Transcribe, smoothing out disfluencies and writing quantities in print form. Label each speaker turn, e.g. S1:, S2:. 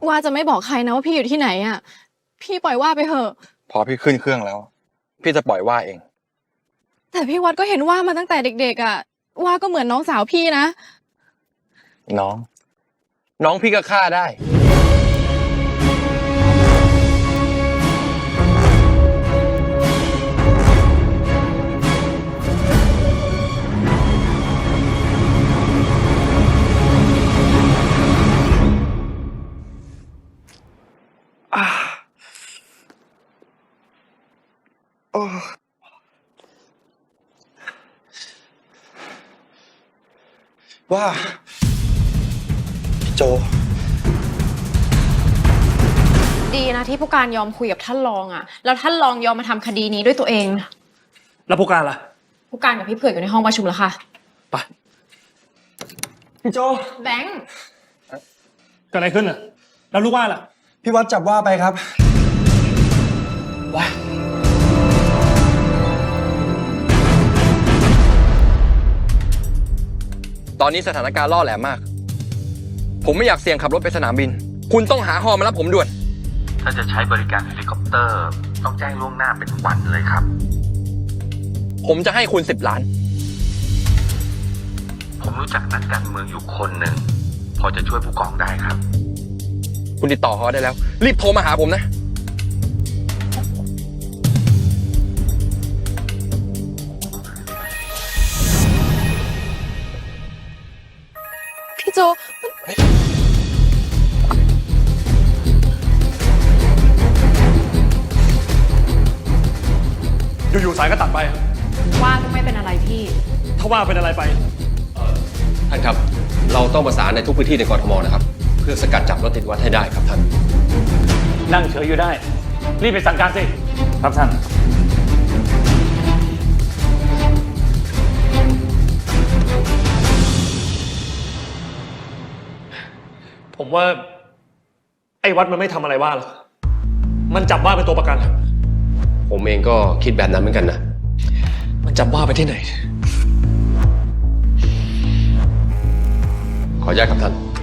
S1: ว่าจะไม่บอกใครนะว่าพี่อยู่ที่ไหนอ่ะพี่ปล่อยว่าไปเถอะ
S2: พอพี่ขึ้นเครื่องแล้ว พี่จะปล่อยว่าเอง
S1: แต่พี่วัดก็เห็นว่ามาตั้งแต่เด็กๆอ่ะว่าก็เหมือนน้องสาวพี่นะ
S2: น้องพี่ก็ฆ่าได้ว่าพี่โจ
S1: ดีนะที่ผู้การยอมคุยกับท่านรองอ่ะแล้วท่านรองยอมมาทำคดีนี้ด้วยตัวเอง
S3: แล้วผู้การล่ะ
S1: ผู้การกับพี่เผือกอยู่ในห้องประชุมแล้วค่ะ
S3: ไปพี่โจ
S1: แบงค์
S3: เกิดอะไรขึ้นอ่ะแล้วลูกว่าล่ะ
S2: พี่วัดจับว่าไปครับว่าตอนนี้สถานการณ์ล่อแหลมมากผมไม่อยากเสี่ยงขับรถไปสนามบินคุณต้องหาฮอมารับผมด่วน
S4: ถ้าจะใช้บริการเฮลิคอปเตอร์ต้องแจ้งล่วงหน้าเป็นวันเลยครับ
S2: ผมจะให้คุณ10 ล้าน
S4: ผมรู้จักนักการเมืองอยู่คนหนึ่งพอจะช่วยผู้กองได้ครับ
S2: คุณติดต่อเขาได้แล้วรีบโทรมาหาผมนะ
S1: พี่โจ
S3: อยู่ๆสายก็ตัดไปครับ
S1: ว่าก็ไม่เป็นอะไรพี่
S3: ถ้าว่าเป็นอะไรไป
S5: ท่านครับเราต้องประสานในทุกพื้นที่ในกรทมนะครับเพื่อสกัดจับรถติดวัดให้ได้ครับท่าน
S3: นั่งเฉยอยู่ได้รีบไปสั่งการสิครับท่านผมว่าไอ้วัดมันไม่ทำอะไรว่าหรอกมันจับว่าเป็นตัวประกัน
S5: ผมเองก็คิดแบบนั้นเหมือนกันนะ
S3: มันจับว่าไปที่ไหน
S5: ขออนุญาตครับท่าน